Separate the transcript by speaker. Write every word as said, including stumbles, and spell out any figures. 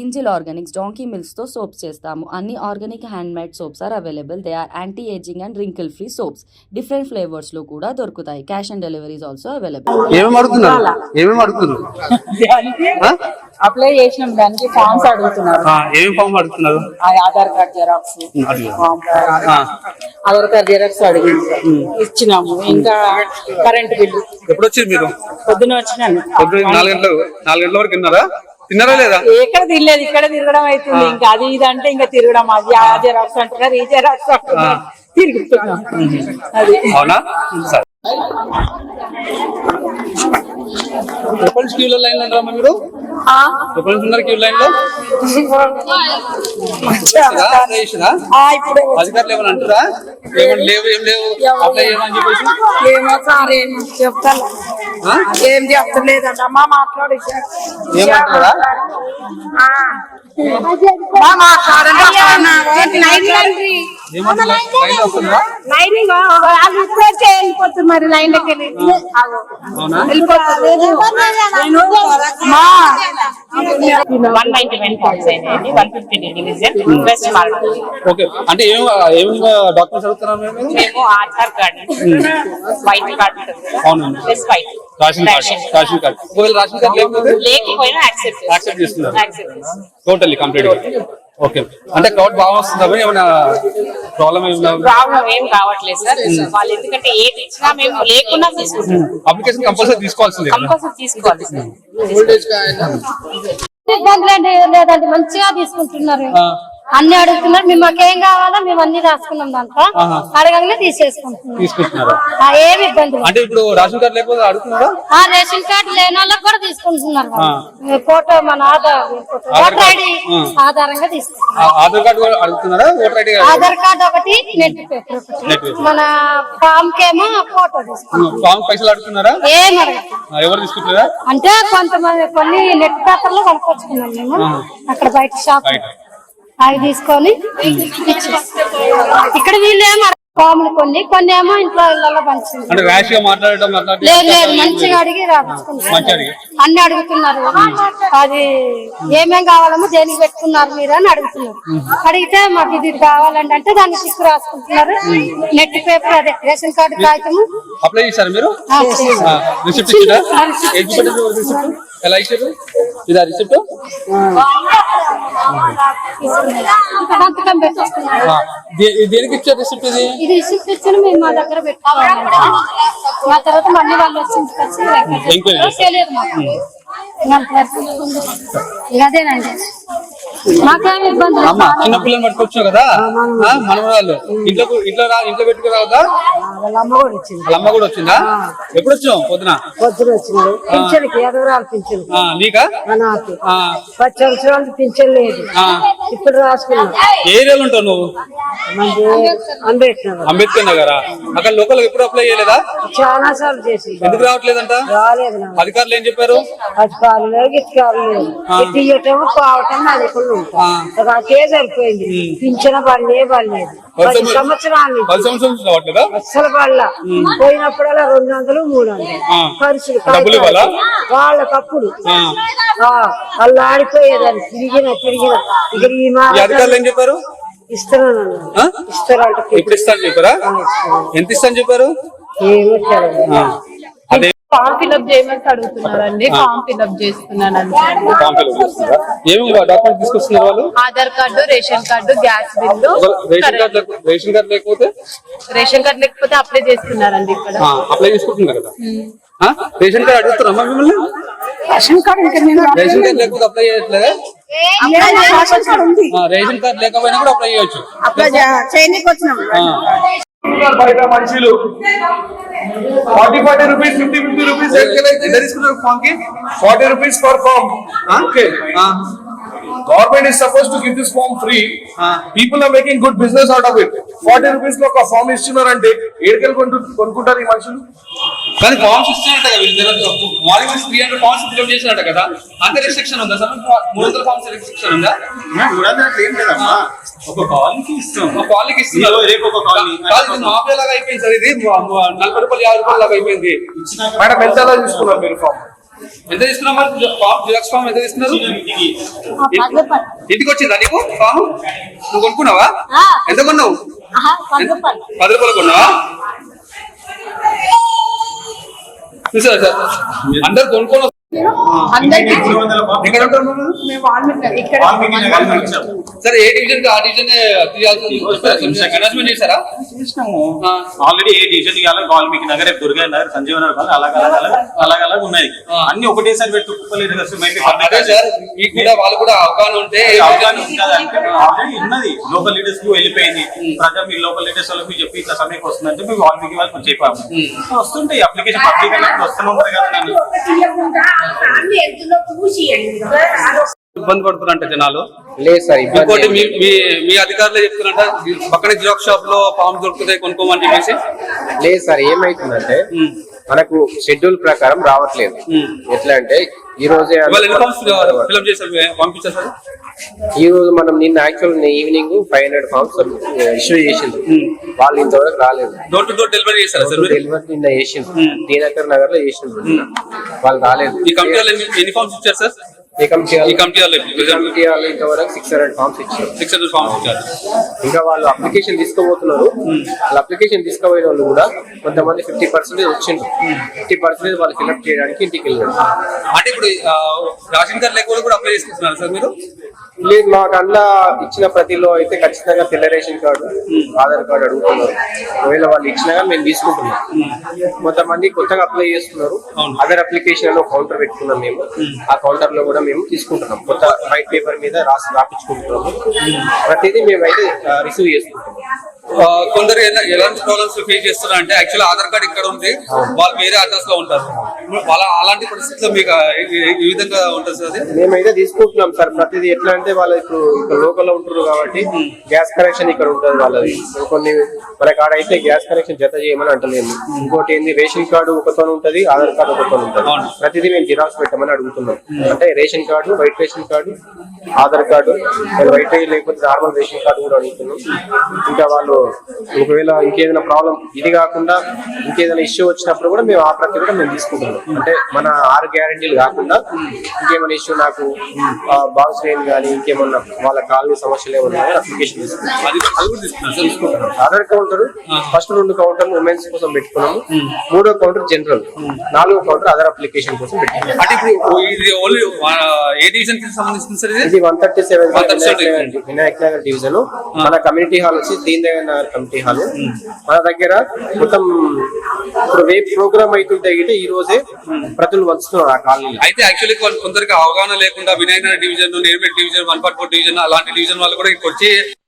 Speaker 1: Angel organics donkey milks తో soaps చేస్తాము. అన్ని organic hand made soaps are available. They are anti ageing and wrinkle free soaps. Different flavours లో కూడా దొరుకుతాయి. Cash on deliveries also available.
Speaker 2: ఏమేమి అడుగుతున్నారు ఏమేమి అడుగుతున్నారు
Speaker 3: అప్లై చేసిన దానికి ఫామ్స్ అడుగుతున్నారు.
Speaker 2: ఏమేమి ఫామ్ అడుగుతున్నారు?
Speaker 3: Aadhaar card xerox, Aadhaar card xerox అడిగి ఇచ్చినాము. ఇంకా కరెంట్ బిల్లు.
Speaker 2: ఎప్పుడు వచ్చింది మీరు?
Speaker 3: పొద్దున వచ్చినాను.
Speaker 2: పొద్దున నాలుగు గంటలు నాలుగు గంటల వరకు తిన్నారా? తిన్నారా లేదా?
Speaker 3: ఎక్కడ తినలేదు, ఇక్కడ తిరగడం అవుతుంది. ఇంకా అది ఇది అంటే ఇంకా తిరగడం. అది ఆ జెరాక్స్ అంటున్నారు, ఈ జెరాక్స్ అంటున్నారు, తిరుగుతున్నాం. అది
Speaker 2: అవునా? ఎప్పటి నుంచి క్యూ లైన్ లో ఉన్నారమ్మా మీరు? ఎప్పటి నుంచి ఉన్నారు క్యూ లైన్ లో? అధికారులు ఏమని అంటారా? ఏమని లేవు ఏం లేవు అప్లై చేయమని చెప్పేసి
Speaker 3: ఏమో సార్ ఏం చెప్తాను, ఏం చెప్తలేదమ్మా. మాట్లాడి
Speaker 2: ఏమంటారా?
Speaker 3: మరి లైన్
Speaker 2: అంటే ఏం ఏం డాక్యుమెంట్స్ అడుగుతున్నారు మేము?
Speaker 3: Aadhaar card, white card,
Speaker 2: ration card. Ration card ఒకవేళ రేషన్ కార్డ్ లేకపోతే
Speaker 3: లేకపోయినా యాక్సెప్ట్
Speaker 2: చేస్తున్నారు టోటల్లీ కంప్లీట్. ఓకే, అంటే క్రౌడ్ బాగా వస్తుందా? ఏమైనా ప్రాబ్లం
Speaker 3: ప్రాబ్లం ఏం కావట్లేదు సార్. వాళ్ళు ఎందుకంటే ఏది ఇచ్చినా మేము లేకుండా తీసుకుంటాం.
Speaker 2: అప్లికేషన్ కంపల్సరీ తీసుకోవాల్సింది
Speaker 3: కంపల్సరీ తీసుకోవాలి సార్.
Speaker 4: ఇబ్బందులు లేదండి, మంచిగా తీసుకుంటున్నారు. అన్ని అడుగుతున్నారు. మేము మాకేం కావాలో మేము అన్ని రాసుకున్నాం. దాంట్లో అడగంగానే తీసేసుకుంటున్నారు. ఏమి ఇబ్బంది.
Speaker 2: అంటే ఇప్పుడు రేషన్ కార్డు లేకపోతే అడుగుతున్నారా?
Speaker 4: ఆ రేషన్ కార్డు లేని వాళ్ళకి కూడా తీసుకుంటున్నారు. ఫోటో మన ఆధార్ ఓటర్ ఐడి ఆధారంగా తీసుకుంటున్నారు.
Speaker 2: ఆధార్ కార్డు అడుగుతున్నారా? ఓటర్ ఐడి
Speaker 4: ఆధార్ కార్డు ఒకటి, నెట్ పేపర్ ఒకటి. మన ఫామ్ కేమో ఫోటో తీసుకుంటున్నారు.
Speaker 2: ఫామ్ పైసలు అడుగుతున్నారా?
Speaker 4: ఏం అడగదు.
Speaker 2: ఎవరు తీసుకుంటున్నారా?
Speaker 4: అంటే కొంతమంది కొన్ని నెట్ పేపర్ లో కనుకొచ్చుకున్నాం మేము అక్కడ బయట షాప్. అవి తీసుకొని ఇక్కడ వీళ్ళు ఏమో ఫాములు కొన్ని కొన్ని ఏమో ఇంట్లో ఇళ్ళలో పంచింది. లేదు లేదు, మంచిగా అడిగి రాసుకుంటారు. అన్ని అడుగుతున్నారు. అది ఏమేం కావాలమో దేనికి పెట్టుకున్నారు మీరు అని అడుగుతున్నారు. అడిగితే మాకు ఇది కావాలండి అంటే దాన్ని చిక్కు రాసుకుంటున్నారు. నెట్ పేపర్ అదే రేషన్ కార్డు కాగితం
Speaker 2: అప్లై చేశారు మీరు? ఎలా ఇచ్చారు? ఇదా రిసిప్ట్? దేనికి ఇచ్చారు రిసిప్ట్? ఇది
Speaker 4: ఇది రిసిప్ట్ ఇచ్చాను మేము మా దగ్గర పెట్టుకోవాలి. మా తర్వాత మళ్ళీ వాళ్ళు వచ్చి తెలియదు మాకు. అదేనండి, మాకేమి ఇబ్బంది.
Speaker 2: చిన్న పిల్లలు పట్టుకొచ్చు కదా మనవరాళ్ళు, ఇంట్లో ఇంట్లో ఇంట్లో పెట్టుకోరాదా? వాళ్ళ అమ్మ కూడా వచ్చిందా? ఎప్పుడు వచ్చావు? పొద్దున
Speaker 3: పొద్దున వచ్చినాడు. పింఛన్కి ఎదవరాలు పింఛన్
Speaker 2: నీకా?
Speaker 3: నాకు పది సంవత్సరాలు పింఛన్ లేదు. ఇప్పుడు రాసుకున్నా.
Speaker 2: ఏ ఏరియాలో ఉంటావు నువ్వు?
Speaker 3: అంబేద్కర్
Speaker 2: అంబేద్కర్ నగరా? అక్కడ లోకల్ ఎప్పుడు అప్లై చేయలేదా?
Speaker 3: చాలా సార్లు చేసి
Speaker 2: ఎందుకు రావట్లేదంట?
Speaker 3: రాలేదు.
Speaker 2: అధికారులు ఏం చెప్పారు?
Speaker 3: అధికారులు లేదు, గిట్టుకారులు లేదు. తీయటము పోవటం అడుగులు ఉంటాయి. నాకే సరిపోయింది. పింఛన పడలే పడలేదు. పది సంవత్సరాలు అస్సలు పడల. పోయినప్పుడల్లా రెండు వందలు మూడు వందలు ఖర్చులు వాళ్ళకప్పుడు వాళ్ళు ఆడిపోయేదాన్ని. తిరిగిన తిరిగిన ఇక్కడ ఈ
Speaker 2: మాట చెప్పారు.
Speaker 3: ఇస్తాను ఇస్తారంట.
Speaker 2: ఇప్పుడు ఇస్తాను చెప్పారా? ఎంత ఇస్తాను చెప్పారు?
Speaker 3: ఏమో ఫామ్ ఫిల్అప్ చేయమని అడుగుతున్నారండి. ఫామ్ ఫిల్అప్ చేస్తున్నానండి. Aadhaar card, ration card, gas bill.
Speaker 2: Ration card లేకపోతే
Speaker 3: రేషన్ కార్డు లేకపోతే అప్లై చేస్తున్నారండి. ఇక్కడ
Speaker 2: అప్లై చేసుకుంటున్నారు కదా. రేషన్ కార్డు అడుగుతున్నారమ్మా మిమ్మల్ని?
Speaker 3: రేషన్ కార్డు
Speaker 2: రేషన్ కార్డు లేకపోతే అప్లై చేయట్లేదా? రేషన్ కార్డు లేకపోయినా కూడా అప్లై చేయొచ్చు.
Speaker 3: అప్లై చేయడానికి వచ్చినాం.
Speaker 5: బయట మనుషులు forty forty rupees fifty fifty rupees ఎంత తీసుకున్నారు ఫామ్ కి? Forty rupees per form. Okay, government is supposed to give this form free. People are making good business out of it. Forty rupees లో ఒక form ఇస్తున్నారంటే ఏడుకెళ్ళి కొనుక్కుంటారు ఈ మనుషులు.
Speaker 2: కానీ ఫామ్స్ ఇచ్చినట్ట morning three hundred forms fill up చేసినట్ట కదా. అంత రిస్ట్రిక్షన్ ఉందా సార్? మూడు వందల ఫామ్స్ రిస్ట్రిక్షన్ ఉందా?
Speaker 5: మూడు వందలు ఏం లేదమ్మా, ఒక కాలనీకి ఇస్తాం.
Speaker 2: ఒక కాలనీకి ఇస్తున్నారు. రేపు ఒక కాలనీ మాఫియా లాగా అయిపోయింది సార్. ఇది నలభై రూపాయలు యాభై రూపాయలు లాగా అయిపోయింది.
Speaker 5: మేడం ఎంత తీసుకున్నారు మీరు ఫామ్?
Speaker 2: ఎంత తీసుకున్నావు మరి ఫామ్ జిరాక్స్ ఫామ్ ఎంత తీసుకున్నారు? ఇంటికి వచ్చిందా నీకు ఫామ్? నువ్వు కొనుక్కున్నావా? ఎంత కొన్నావు? పది రూపాయలు కొన్నావా? చూసారా సార్ అందరు కొనుక్కోను ఎక్కడ ఉంటారు సార్? ఏ డివిజన్ ఆ డివిజన్ అనౌన్స్మెంట్ చేశారా?
Speaker 6: ఆల్రెడీ ఏ డివిజన్ ఇవ్వాలి వాల్మీకి నగర్, దుర్గా నగర్, సంజీవ నగర్ అలాగ అలాగ అలాగ ఉన్నాయి. అన్ని ఒకటేసారి పెట్టుకోలేదు
Speaker 2: అదే సార్, మీకు కూడా వాళ్ళు కూడా అవగాహన ఉంటే
Speaker 6: అవగాహన ఉంటుందంటే ఆల్రెడీ ఉన్నది. లోకల్ లీడర్స్ కు వెళ్ళిపోయింది ప్రజా, మీ లోకల్ లీడర్స్ వాళ్ళకి చెప్పి ఇట్లా సమయం వస్తుందంటే మేము వాల్మీకి వాళ్ళకి చెప్పాము. వస్తుంటాయి అప్లికేషన్ పబ్లిక్ అన్నప్పుడు వస్తూనే ఉంటారు కదా.
Speaker 2: ఇబ్బంది పడుతున్నారంట జనాలు.
Speaker 7: లేదు సార్,
Speaker 2: ఇంకోటి మీ మీ- మీ అధికారులు చెప్తున్నారంట పక్కన జిరాక్స్ షాప్ లో ఫామ్ దొరుకుతాయి కొనుక్కోమని చెప్పేసి.
Speaker 7: లేదు సార్, ఏమైతుందంటే మనకు షెడ్యూల్ ప్రకారం రావట్లేదు. ఎట్లా అంటే ఈ రోజే
Speaker 2: ఇవాళ ఎన్ని ఫామ్స్ ఫిల్అప్ చేశారు పంపించారు సార్?
Speaker 7: ఈ రోజు మనం నిన్న actual evening five hundred forms issue చేసింది. వాళ్ళు ఇంతవరకు రాలేదు.
Speaker 2: డోర్ టు డోర్ డెలివరీ చేశారా సార్?
Speaker 7: డెలివరీ నిన్న చేసింది, దీనకర్ నగర్ లో చేసింది. వాళ్ళు రాలేదు.
Speaker 2: ఈ కమిటీ వాళ్ళు ఎన్ని- ఎన్ని ఫామ్స్ ఇచ్చారు సార్?
Speaker 7: ఈ కమిటీ
Speaker 2: ఈ కమిటీ వాళ్ళు
Speaker 7: కమిటీ వాళ్ళు ఇంతవరకు సిక్స్ హండ్రెడ్ ఫార్మ్స్ ఇచ్చారు.
Speaker 2: సిక్స్ హండ్రెడ్ ఫామ్స్ ఇచ్చారు.
Speaker 7: ఇంకా వాళ్ళు అప్లికేషన్ తీసుకోబోతున్నారు. వాళ్ళు అప్లికేషన్ తీసుకోబోయే వాళ్ళు కూడా కొంతమంది ఫిఫ్టీ పర్సెంటేజ్ వచ్చిండ్రు. ఫిఫ్టీ పర్సెంటేజ్ వాళ్ళు ఫిల్అప్ చేయడానికి ఇంటికి వెళ్ళారు.
Speaker 2: అంటే ఇప్పుడు ఆ, రేషన్ కార్డు లేకుండా కూడా అప్లై చేసుకుంటున్నారు సార్ మీరు?
Speaker 7: లేదు, మాకు అన్న ఇచ్చిన ప్రతిలో అయితే ఖచ్చితంగా తెల్ల రేషన్ కార్డు, ఆధార్ కార్డు అడుగుతున్నారు. ఒకవేళ వాళ్ళు ఇచ్చినా కానీ మేము తీసుకుంటున్నాం. కొంతమంది కొత్తగా అప్లై చేస్తున్నారు. అదర్ అప్లికేషన్ లో కౌంటర్ పెట్టుకున్నాం మేము. ఆ కౌంటర్ లో కూడా మేము తీసుకుంటున్నాం. కొత్త వైట్ పేపర్ మీద రాసి రాపించుకుంటున్నాము. ప్రతిదీ మేమైతే రిసీవ్ చేసుకుంటున్నాం.
Speaker 2: ఆ, కొందరు ఎలా- ఎలాంటి ప్రాబ్లమ్స్ ఫేస్ చేస్తున్నారు అంటే యాక్చువల్ ఆధార్ కార్డు ఇక్కడ ఉంది, వాళ్ళు వేరే అడ్రస్ లో ఉంటారు. వాళ్ళ అలాంటి పరిస్థితుల్లో మీకు ఆ, ఏ- ఏ విధంగా ఉంటుంది సార్ అది?
Speaker 7: మేమైతే తీసుకుంటున్నాం సార్. ప్రతిదీ ఎట్లా అంటే వాళ్ళు ఇప్పుడు ఇక్కడ లోకల్ లో ఉంటున్నారు కాబట్టి గ్యాస్ కనెక్షన్ ఇక్కడ ఉంటుంది వాళ్ళది. కొన్ని మన కాడ అయితే గ్యాస్ కనెక్షన్ జత చేయమని అంటలేము. ఇంకోటి ఏంది, రేషన్ కార్డు ఒకతో ఉంటది, ఆధార్ కార్డు ఒకతో ఉంటది. ప్రతిదీ మేము జిరాక్స్ పెట్టమని అడుగుతున్నాం. అంటే ration card, white ration card, Aadhaar card, white లేకపోతే నార్మల్ రేషన్ కార్డు కూడా అడుగుతున్నాం. ఇంకా వాళ్ళు ఒకవేళ ఇంకేదైనా ప్రాబ్లం ఇది కాకుండా ఇంకేదైనా ఇష్యూ వచ్చినప్పుడు కూడా మేము ఆ ప్రతి కూడా మేము తీసుకుంటున్నాం. అంటే మన ఆరు గ్యారెంటీలు కాకుండా ఇంకేమైనా ఇష్యూ నాకు బాక్స్ లేని కానీ ఇంకేమన్నా వాళ్ళ కాలనీ సమస్యలు ఏమన్నా అప్లికేషన్ తీసుకుంటాం.
Speaker 2: అది అది కూడా తీసుకున్నారు సార్?
Speaker 7: తీసుకుంటున్నాం. ఆధార్ కౌంటర్ ఫస్ట్ రెండు కౌంటర్లు ఉమెన్స్ కోసం పెట్టుకున్నాము. మూడో కౌంటర్ జనరల్, నాలుగో కౌంటర్ అదర్ అప్లికేషన్ కోసం పెట్టుకున్నాం.
Speaker 2: అంటే ఇప్పుడు ఇది ఓన్లీ ఏ డివిజన్ కి సంబంధించింది సార్ ఇది?
Speaker 7: ఇది one thirty seven
Speaker 2: one thirty seven
Speaker 7: Vinayak Nagar division. మన కమ్యూనిటీ హాల్ వచ్చి దీన్ దయాళ్ నగర్ కమిటీ హాల్. మన దగ్గర మొత్తం ఇప్పుడు రేపు ప్రోగ్రామ్ అవుతుంటే ఈ రోజే ప్రతులు వంచుతున్నారు ఆ కాలనీ.
Speaker 2: అయితే యాక్చువల్లీ కొందరికి అవగాహన లేకుండా Vinayaka division, Neredmet division, one forty four division అలాంటి డివిజన్ వాళ్ళు కూడా ఇక్కడికి వచ్చి